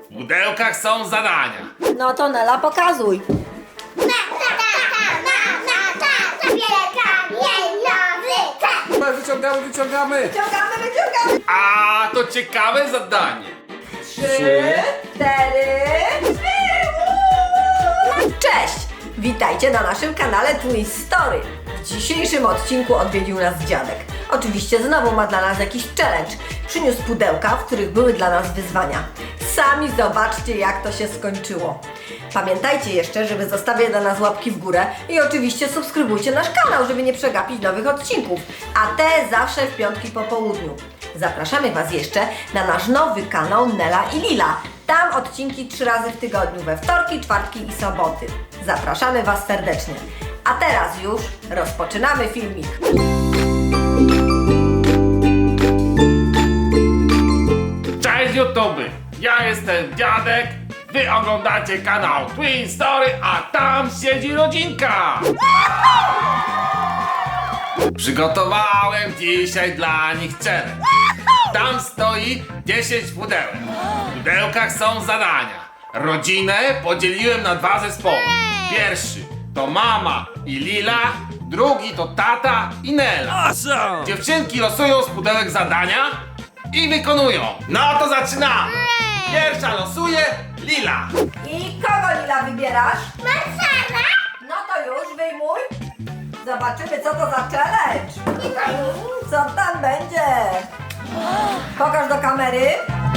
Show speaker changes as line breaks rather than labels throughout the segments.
W pudełkach są zadania.
No to Nela, pokazuj.
Wyciągamy.
Wyciągamy.
A to ciekawe zadanie.
3, 4, 3. Cześć! Witajcie na naszym kanale Twist Story. W dzisiejszym odcinku odwiedził nas dziadek. Oczywiście znowu ma dla nas jakiś challenge. Przyniósł pudełka, w których były dla nas wyzwania. Sami zobaczcie, jak to się skończyło. Pamiętajcie jeszcze, żeby zostawiać dla nas łapki w górę i oczywiście subskrybujcie nasz kanał, żeby nie przegapić nowych odcinków. A te zawsze w piątki po południu. Zapraszamy Was jeszcze na nasz nowy kanał Nela i Lila. Tam odcinki 3 razy w tygodniu, we wtorki, czwartki i soboty. Zapraszamy Was serdecznie. A teraz już rozpoczynamy filmik.
Cześć YouTube! Ja jestem dziadek. Wy oglądacie kanał Twin Story, a tam siedzi rodzinka. Przygotowałem dzisiaj dla nich challenge. Tam stoi 10 pudełek. W pudełkach są zadania. Rodzinę podzieliłem na 2 zespoły. Pierwszy to mama i Lila, drugi to tata i Nela.
Awesome!
Dziewczynki losują z pudełek zadania i wykonują. No to zaczynamy. Pierwsza losuje Lila.
I kogo, Lila, wybierasz?
Marszala!
No to już wyjmuj. Zobaczymy, co to za challenge. Co tam będzie? Pokaż do kamery.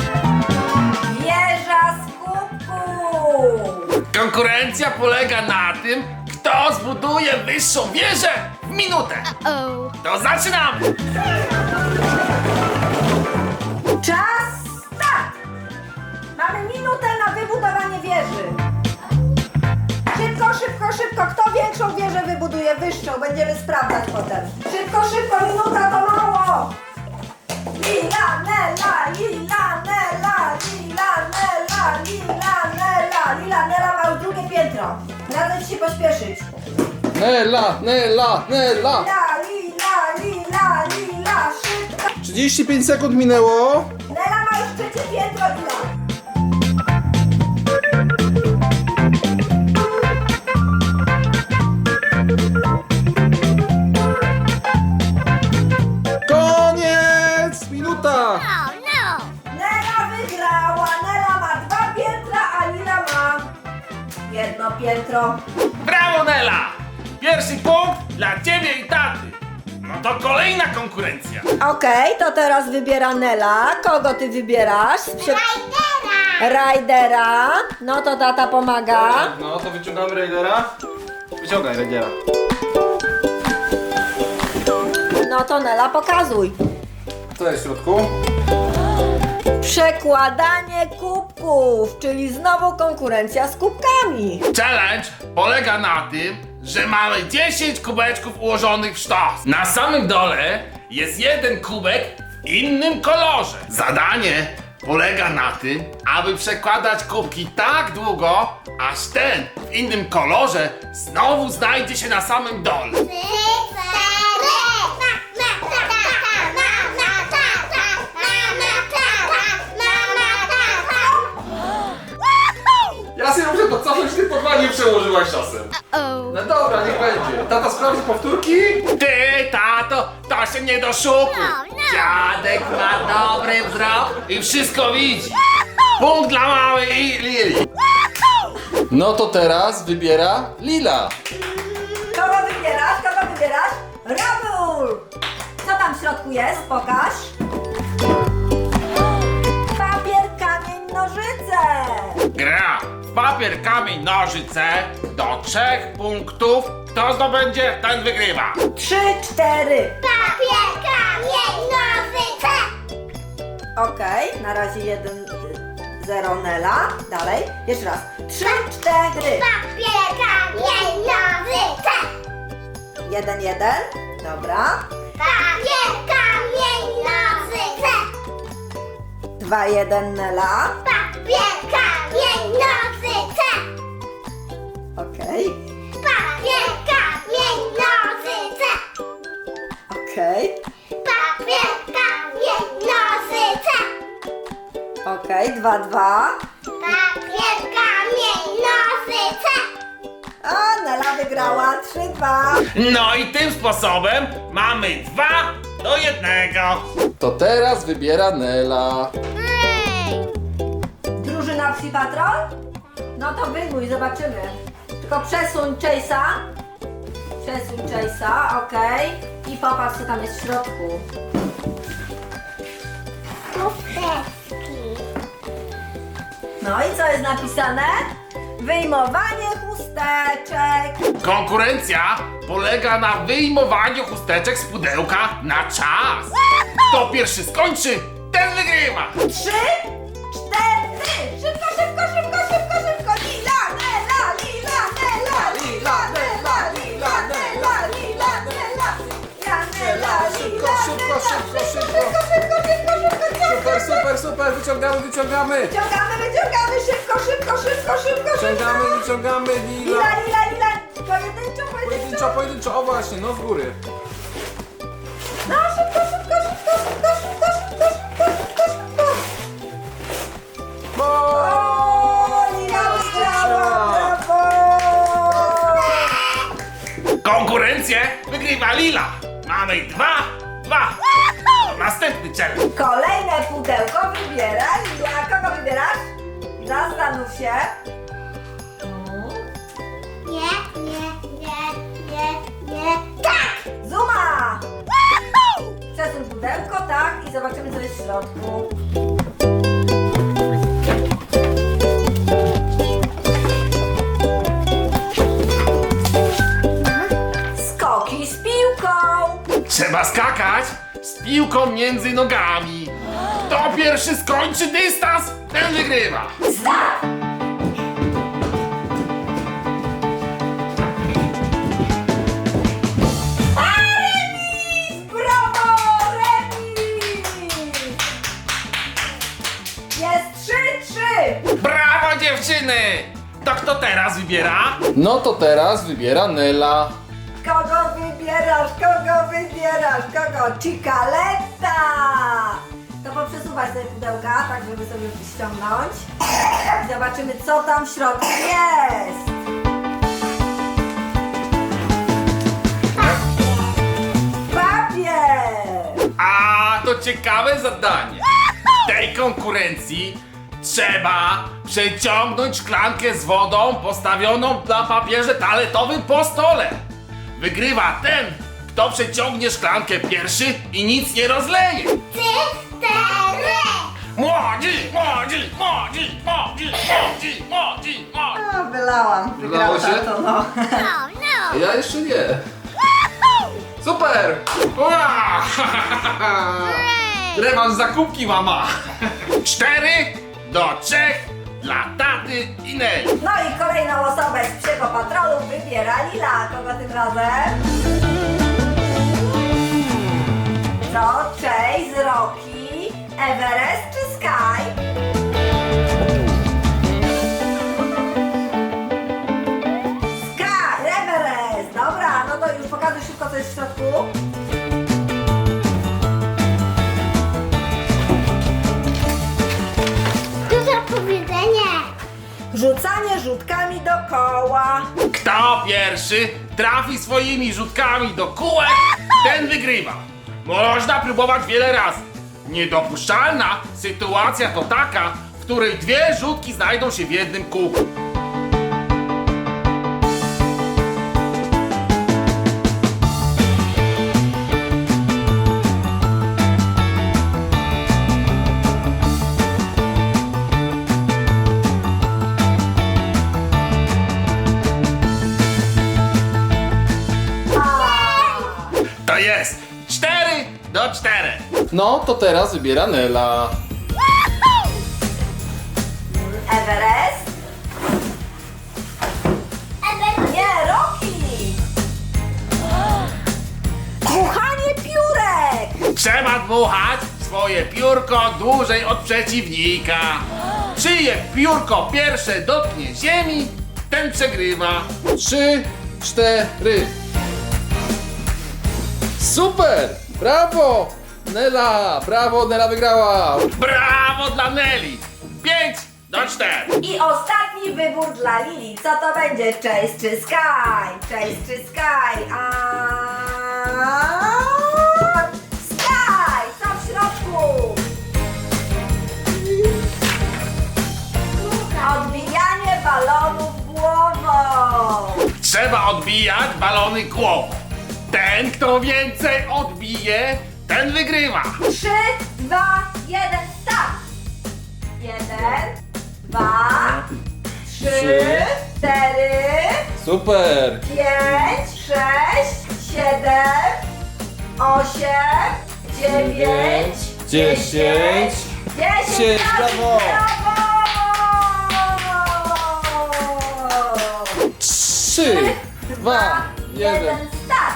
Wieża z kubków.
Konkurencja polega na tym, kto zbuduje wyższą wieżę w minutę. To zaczynamy.
Czas start! Mamy minutę na wybudowanie wieży. Szybko, szybko, szybko. Kto większą wieżę wybuduje, wyższą? Będziemy sprawdzać potem. Szybko, szybko, minuta to mało. Lila, Nela, Lila, Nela, Lila, Nela, Lila, Nela. Lila, Nela ma już drugie piętro. Radzę ci się pośpieszyć.
Nela!
Lila, Lila, Lila, Lila, szybko.
35 sekund minęło.
Nela ma już trzecie piętro, Lila.
Koniec! Minuta!
Oh no!
Nela wygrała. Nela ma 2 piętra, a Lila ma 1 piętro.
Brawo, Nela! Pierwszy punkt dla ciebie i taty. No to kolejna konkurencja.
Okej, to teraz wybiera Nela. Kogo ty wybierasz? Rajdera. No to tata pomaga.
No to wyciągamy Raidera. Wyciągaj Raidera.
No to Nela, pokazuj.
Co jest w środku?
Przekładanie kubków, czyli znowu konkurencja z kubkami.
Challenge polega na tym, że mamy 10 kubeczków ułożonych w sztos. Na samym dole jest jeden kubek w innym kolorze. Zadanie polega na tym, aby przekładać kubki tak długo, aż ten w innym kolorze znowu znajdzie się na samym dole.
Ja sobie muszę to cofnąć, ty porwanie przełożyłaś czasem. No dobra, niech będzie. Tata sprawdzi powtórki?
Ty, tato, to się nie doszukuj. Dziadek ma dobry wzrok i wszystko widzi. Punkt dla mamy i Lili.
No to teraz wybiera Lila.
Kogo wybierasz? Kogo wybierasz? Robór! Co tam w środku jest? Pokaż. Papier, kamień, nożyce.
Gra w papier, kamień, nożyce do 3 punktów. Kto zdobędzie, ten wygrywa.
3, 4.
Papier, kamień, nożyce!
Okej, na razie 1, 0 Nela. Dalej. Jeszcze raz. 3, 4.
Papier, kamień, nożyce!
1, 1. Dobra.
Papier, kamień, nożyce!
2, 1 Nela.
Papier, kamień, nożyce!
Okej.
Papier, kamień, nożyce!
Okej.
Papier, kamień, nożyce!
Okej. 2, 2. Nela wygrała 3-2.
No i tym sposobem mamy 2-1.
To teraz wybiera Nela.
Drużyna Psi Patrol? No to wyjmuj, zobaczymy. Tylko przesuń Chase'a. Przesuń Chase'a, okej. I popatrz, co tam jest w środku.
Chusteczki.
No i co jest napisane? Wyjmowanie chusteczek.
Konkurencja polega na wyjmowaniu chusteczek z pudełka na czas. Kto pierwszy skończy, ten wygrywa.
3, 4. Szybko, szybko, szybko, szybko, szybko. Lila, Nela, Lila, Nela, Lila, Nela, Lila, Nela, Lila, Nela. Ja, Nela,
Szybko,
Lila,
szybko,
Nela.
szybko, szybko.
Szybko, szybko, szybko, szybko.
Super, wyciągamy.
Wyciągamy, wyciągamy, szybko, szybko, szybko, szybko, szybko.
Wyciągamy,
Lila, Lila, Lila. Pojedynczo, pojedynczo.
Pojedynczo, o właśnie, no z góry.
No, szybko, szybko, szybko, szybko, szybko, szybko, szybko, szybko, szybko.
Bo...
O, Lila wygrała, brawo!
Konkurencję wygrywa Lila. Mamy 2-2. Następny challenge.
Kolejne pudełko wybiera Lila. Kogo wybierasz? Zastanów się.
Nie. Tak!
Zuma! Przesuń pudełko, tak, i zobaczymy, co jest w środku. Skoki z piłką.
Trzeba skakać z piłką między nogami. Kto pierwszy skończy dystans, ten wygrywa.
Start! A, remis! Brawo! Remis! Jest 3-3.
Brawo dziewczyny! To kto teraz wybiera?
No to teraz wybiera Nela.
Kogo wybierasz? Kogo wybierasz? Kogo? Cicaletta! To poprzesuwać te pudełka, tak żeby sobie ściągnąć. I zobaczymy, co tam w środku jest. Papier!
A to ciekawe zadanie. W tej konkurencji trzeba przeciągnąć szklankę z wodą postawioną na papierze toaletowym po stole. Wygrywa ten, kto przeciągnie szklankę pierwszy i nic nie rozleje.
4.
Młodzi.
O, wylałam.
Wylało się?
To, no.
A ja jeszcze nie. Super!
Ua! Rewanż za kubki, mama. 4-3 dla taty i Neli.
No i kolejną osobę z Psiego Patrolu wybiera Lila. Kogo tym razem? Co? Chase, Rocky, Everest czy Sky? Sky, Everest! Dobra, no to już pokażę szybko, co jest w środku.
Dużo powiedzenie.
Rzucanie rzutkami dookoła.
Kto pierwszy trafi swoimi rzutkami do kółek, ten wygrywa. Można próbować wiele razy. Niedopuszczalna sytuacja to taka, w której 2 rzutki znajdą się w jednym kółku. To jest 4-4.
No to teraz wybiera Nela.
Everest? Nie, Rocky! Dmuchanie piórek!
Trzeba dmuchać swoje piórko dłużej od przeciwnika. Czyje piórko pierwsze dotknie ziemi, ten przegrywa.
3, 4. Super! Brawo! Nela! Brawo, Nela wygrała!
Brawo dla Neli! do 4.
I ostatni wybór dla Lili. Co to będzie? Chase czy Sky? Chase czy Sky? Sky! Co w środku? Odbijanie balonów głową.
Trzeba odbijać balony głową. Ten, kto więcej odbije, ten wygrywa.
3, 2, 1, start! 1, 2, 3, 4,
Super!
5, 6, 7, 8, 9, 10, 10,
brawo! 3, 2, 1.
start!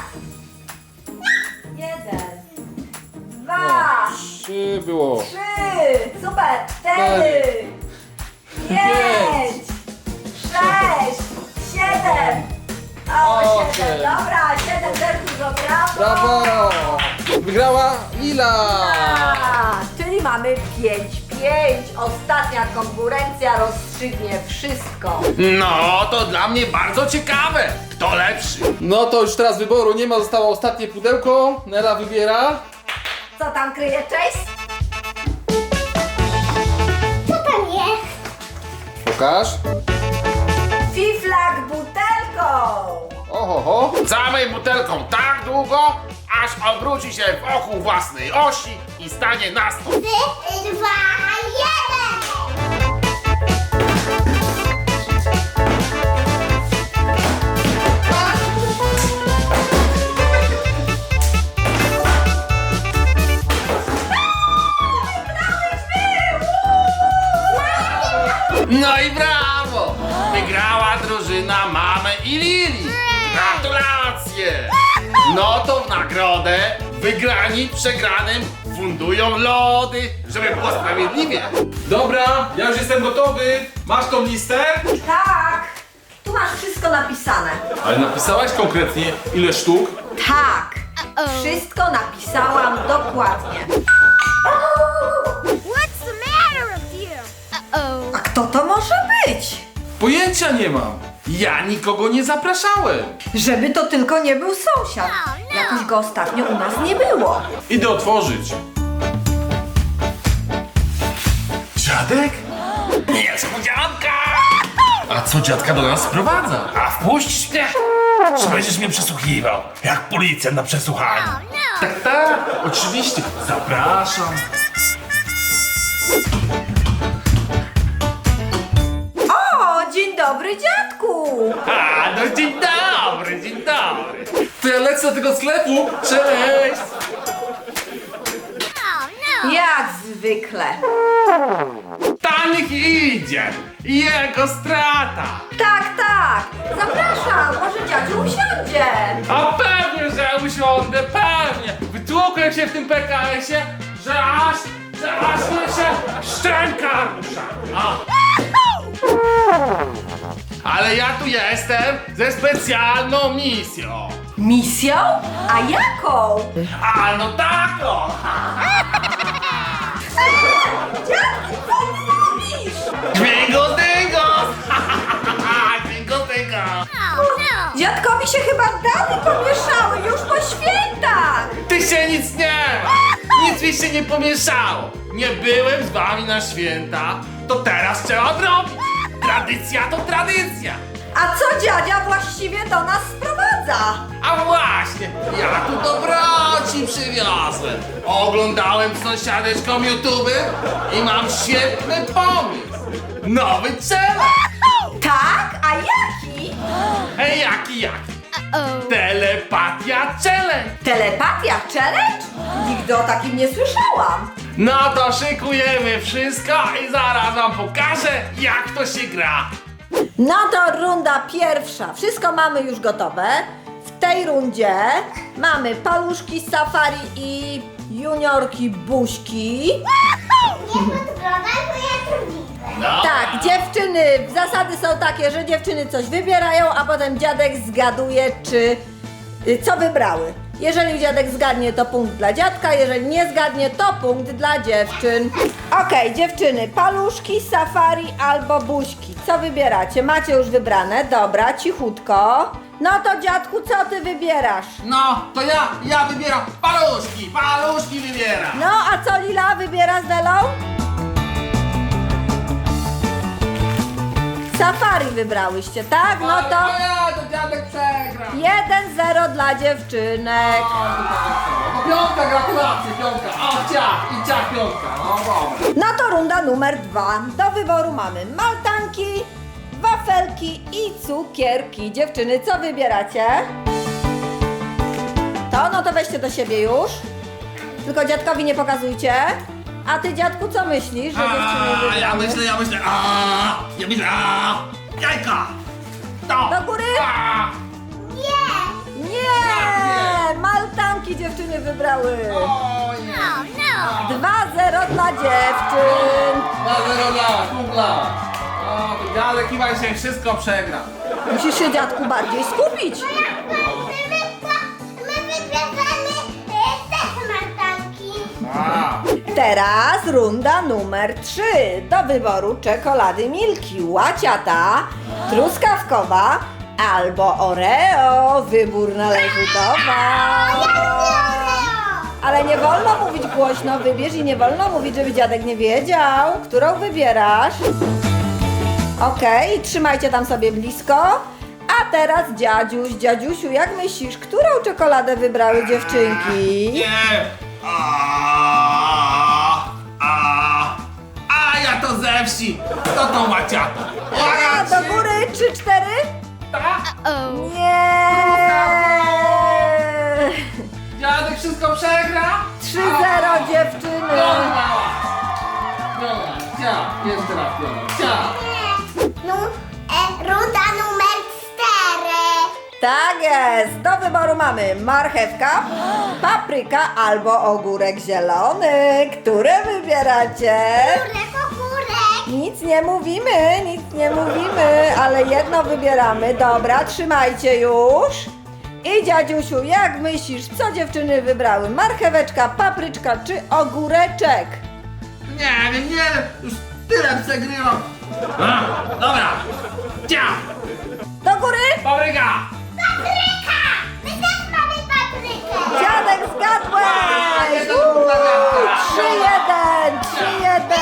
1, 2,
3 było.
3, super, 4, 5, 6, 7, 8, dobra, 7 też dużo, brawo!
Brawo! Wygrała Lila!
Czyli mamy 5-5, ostatnia konkurencja rozstrzygnie wszystko.
No, to dla mnie bardzo ciekawe. Kto lepszy?
No to już teraz wyboru nie ma, zostało ostatnie pudełko. Nela wybiera.
Co tam kryje Chase?
Co tam jest?
Pokaż.
Fiflak butelką!
Oho.
Całej butelką tak długo, aż obróci się wokół własnej osi i stanie na stop.
3, 2, 1.
No i brawo! Wygrała drużyna Mamy i Lili. Gratulacje! No to w nagrodę wygrani przegranym fundują lody, żeby było sprawiedliwie.
Dobra, ja już jestem gotowy. Masz tą listę?
Tak! Tu masz wszystko napisane.
Ale napisałaś konkretnie ile sztuk?
Tak! Wszystko napisałam dokładnie.
What's the matter with you?
A kto to może być?
Pojęcia nie mam. Ja nikogo nie zapraszałem.
Żeby to tylko nie był sąsiad. Jakoś go ostatnio u nas nie było.
Idę otworzyć. Dziadek?
Niespodzianka! A co dziadka do nas sprowadza? A wpuścisz mnie? Czy będziesz mnie przesłuchiwał? Jak policjant na przesłuchaniu. Tak, oczywiście. Zapraszam.
O, dzień dobry dziadku!
A, no dzień dobry, dzień dobry.
To ja lecę do tego sklepu. Cześć!
Jak zwykle.
Tanik idzie. Jego strata.
Tak, tak. Zapraszam, może dziadziu usiądzie.
A pewnie, że usiądę, pewnie. Wytłukłem się w tym PKS-ie, że aż mi się szczęka rusza. A. Ale ja tu jestem ze specjalną misją.
Misją? A jaką?
A no taką.
Dziadku, co ty robisz?
Dźwięko dyngo. Dźwięko dyngo.
Dziadkowi się chyba dane pomieszały już po świętach.
Ty się nic nie ma. Nic mi się nie pomieszało. Nie byłem z wami na święta, to teraz trzeba odrobić. Tradycja to tradycja.
A co dziadzia właściwie do nas sprowadza?
A właśnie, ja tu dobroci przywiozłem. Oglądałem z sąsiadeczką YouTube i mam świetny pomysł. Nowy challenge.
Tak? A jaki?
Hej, jaki? Telepatia challenge.
Telepatia challenge? Nigdy o takim nie słyszałam.
No to szykujemy wszystko i zaraz wam pokażę, jak to się gra.
No to runda pierwsza. Wszystko mamy już gotowe. W tej rundzie mamy paluszki z safari i juniorki buźki.
Nie podglądaj, bo ja to widzę.
No.
Tak, dziewczyny, zasady są takie, że dziewczyny coś wybierają, a potem dziadek zgaduje, czy co wybrały. Jeżeli dziadek zgadnie, to punkt dla dziadka, jeżeli nie zgadnie, to punkt dla dziewczyn. Okej, dziewczyny, paluszki, safari albo buźki. Co wybieracie? Macie już wybrane? Dobra, cichutko. No to dziadku, co ty wybierasz?
No, to ja wybieram paluszki wybieram.
No, a co Lila wybiera z Delą? Safari wybrałyście, tak? No to
to dziadek przegrał.
1-0 dla dziewczynek.
Piątka, gratulacje, piątka. O, ciach i ciach piątka. No dobra.
No to runda numer 2. Do wyboru mamy maltanki, wafelki i cukierki. Dziewczyny, co wybieracie? No to weźcie do siebie już. Tylko dziadkowi nie pokazujcie. A ty, dziadku, co myślisz, że dziewczyny wybrały?
Ja myślę, jajka. To.
Do góry?
Nie!
Nie! Maltanki dziewczyny wybrały.
Ojej.
No!
2-0 dla dziewczyn.
2-0 dla kumpla.
O, to dziadek chyba dzisiaj wszystko przegra.
Musisz się, dziadku, bardziej skupić.
My wybieramy te smartanki.
A.
Teraz runda numer 3. Do wyboru czekolady Milki, łaciata, truskawkowa albo Oreo. Wybór należy do was. Ale nie wolno mówić głośno, wybierz i nie wolno mówić, żeby dziadek nie wiedział, którą wybierasz. Okej, trzymajcie tam sobie blisko. A teraz dziadziuś, dziadziusiu, jak myślisz, którą czekoladę wybrały dziewczynki?
Nie. A ja to ze wsi. To tą łaciatą.
A, do góry, 3-4? Nie!
Dziadek wszystko przegra?
3-0 dziewczyny!
Piona, ciach. Jeszcze raz piona. Ciach.
No, runda numer 4.
Tak jest! Do wyboru mamy marchewka, papryka albo ogórek zielony. Które wybieracie?
Górek.
Nic nie mówimy, ale jedno wybieramy. Dobra, trzymajcie już. I dziadziusiu, jak myślisz, co dziewczyny wybrały? Marcheweczka, papryczka czy ogóreczek?
Nie wiem, już tyle przegrywam. Dobra. Ciach.
Do góry?
Papryka.
Papryka! My też mamy paprykę.
Dziadek, zgadłeś!
jeden punkt dla dziadka.
3-1!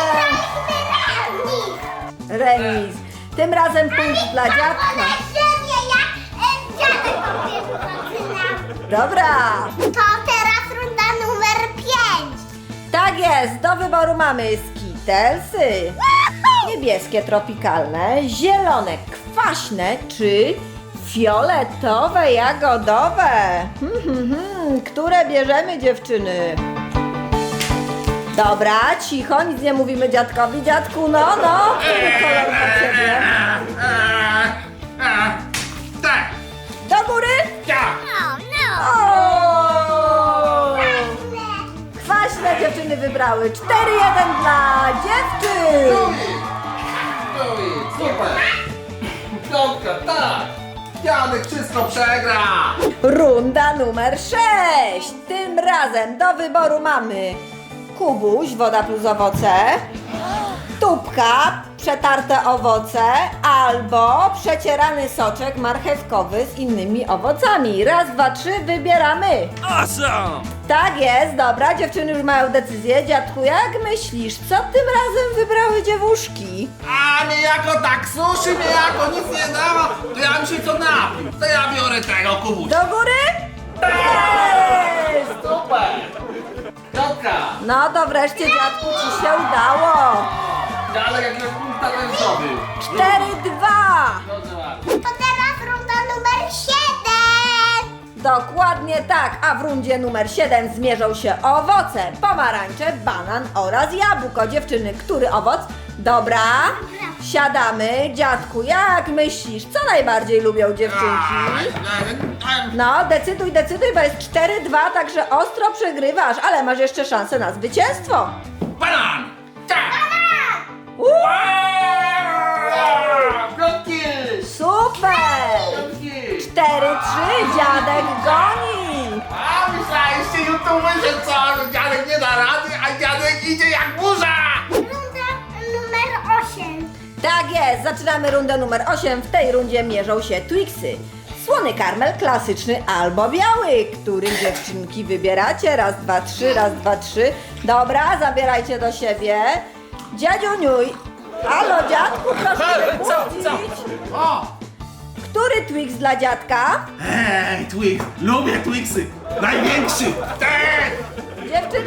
Remis. Tym razem punkt dla dziadka.
Dziadek pierwszy zaczyna.
Dobra.
To teraz runda numer 5.
Tak jest, do wyboru mamy skitelsy. Niebieskie, tropikalne, zielone, kwaśne czy fioletowe, jagodowe. Które bierzemy, dziewczyny? Dobra, cicho, nic nie mówimy dziadkowi. Dziadku, no, który kolor dla ciebie?
Tak.
Do góry?
Ciach.
No.
O! Kwaśne dziewczyny wybrały. 4-1 dla dziewczyn.
Super. Piątka, tak. Dziadek wszystko przegra.
Runda numer 6. Tym razem do wyboru mamy kubuś, woda plus owoce, tubka, przetarte owoce albo przecierany soczek marchewkowy z innymi owocami. Raz, dwa, trzy, wybieramy.
Awesome.
Tak jest, dobra, dziewczyny już mają decyzję. Dziadku, jak myślisz, co tym razem wybrały dziewuszki?
A niejako tak suszy, niejako nic nie dawa, to ja bym się co napił. To ja biorę tego kubusia.
Do góry? Jest!
Super. Piątka.
No to wreszcie, dziadku, ci się udało.
Dziadek jakiegoś punkta też zdobył.
4-2.
Dobrze, ładnie.
To teraz runda numer 7.
Dokładnie tak, a w rundzie numer 7 zmierzą się owoce, pomarańcze, banan oraz jabłko. Dziewczyny, który owoc? Dobra, siadamy. Dziadku, jak myślisz, co najbardziej lubią dziewczynki? No, decyduj, bo jest 4-2, także ostro przegrywasz, ale masz jeszcze szansę na zwycięstwo.
Banan! Tak!
Piątki.
Super!
Piątki.
4-3, dziadek goni!
A
myślę co, że dziadek nie da rady, a dziadek idzie jak burza!
Runda numer 8.
Tak jest, zaczynamy rundę numer 8. W tej rundzie mierzą się Twixy. Słony karmel klasyczny albo biały, który dziewczynki wybieracie. Raz, dwa, trzy, raz, dwa, trzy. Dobra, zabierajcie do siebie. Dziadziuniuj. Halo, dziadku, proszę się budzić.
O!
Który Twix dla dziadka?
Ej, Twix, lubię Twixy! Największy! Ten!
Dziewczyny?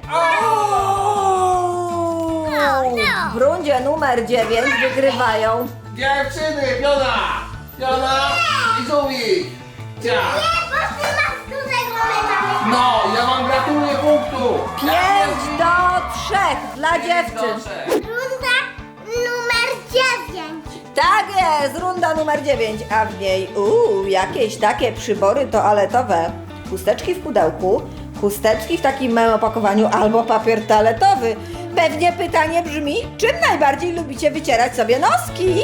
no.
W rundzie numer 9 wygrywają.
Dziewczyny, Fiona i Żółwik! Cia!
Nie, bo ty masz dużego medalu.
No, ja wam gratuluję punktu!
5 do 3 dla dziewczyn.
Runda numer 9.
Tak jest, runda numer 9, a w niej jakieś takie przybory toaletowe. Chusteczki w pudełku, chusteczki w takim małym opakowaniu albo papier toaletowy. Pewnie pytanie brzmi, czym najbardziej lubicie wycierać sobie noski?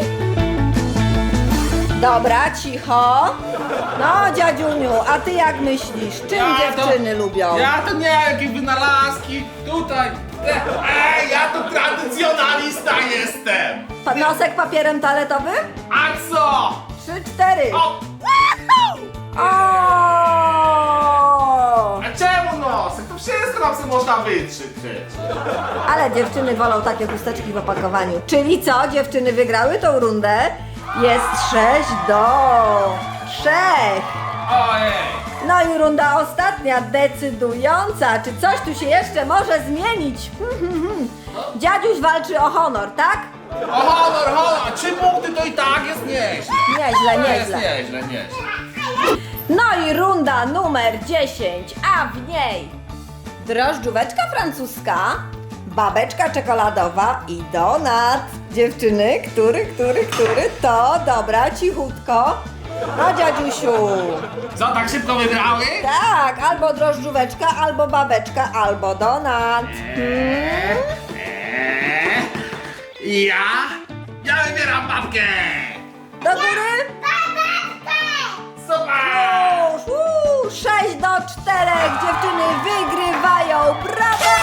Dobra, cicho. No, dziadziuniu, a ty jak myślisz, czym dziewczyny lubią?
Ja to nie, jakieś wynalazki, tutaj. Ej, ja tu tradycjonalista jestem!
Nosek papierem toaletowym?
A co?
3, 4.
O!
O!
A czemu nosek? To wszystko nam sobie można wytrzeć przecież.
Ale dziewczyny wolą takie chusteczki w opakowaniu. Czyli co? Dziewczyny wygrały tą rundę. Jest 6 do 3.
Ojej!
No i runda ostatnia, decydująca. Czy coś tu się jeszcze może zmienić? Dziadziuś walczy o honor, tak?
O honor! 3 punkty to i tak jest nieźle.
Nieźle,
To jest
nieźle.
nieźle.
No i runda numer 10, a w niej drożdżóweczka francuska, babeczka czekoladowa i donat. Dziewczyny, który? To dobra, cichutko. No dziadziusiu.
Co, tak szybko wygrały?
Tak, albo drożdżóweczka, albo babeczka, albo donat.
Ja wybieram babkę!
Do góry?
Super!
Już, 6 do 4. Dziewczyny wygrywają. Brawo!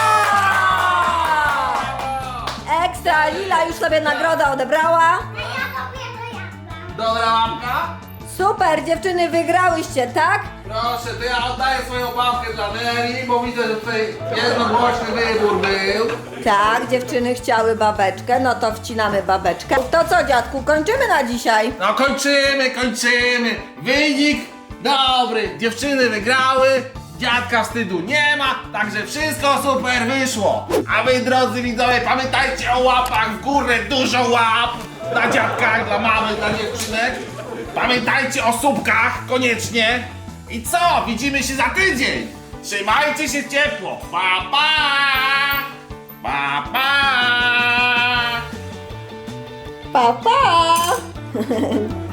Ekstra, Lila już sobie nagrodę odebrała.
Dobra babka?
Super, dziewczyny wygrałyście, tak?
Proszę, to ja oddaję swoją babkę dla Neri, bo widzę, że tutaj jednogłośny wybór był.
Tak, dziewczyny chciały babeczkę, no to wcinamy babeczkę. To co, dziadku, kończymy na dzisiaj?
No kończymy. Wynik dobry. Dziewczyny wygrały, dziadka wstydu nie ma, także wszystko super wyszło. A wy, drodzy widzowie, pamiętajcie o łapach w górę, dużo łap dla dziadka, dla mamy, dla dziewczynek. Pamiętajcie o subkach, koniecznie. I co? Widzimy się za tydzień. Trzymajcie się ciepło. Pa, pa! Pa, pa!
Pa, pa!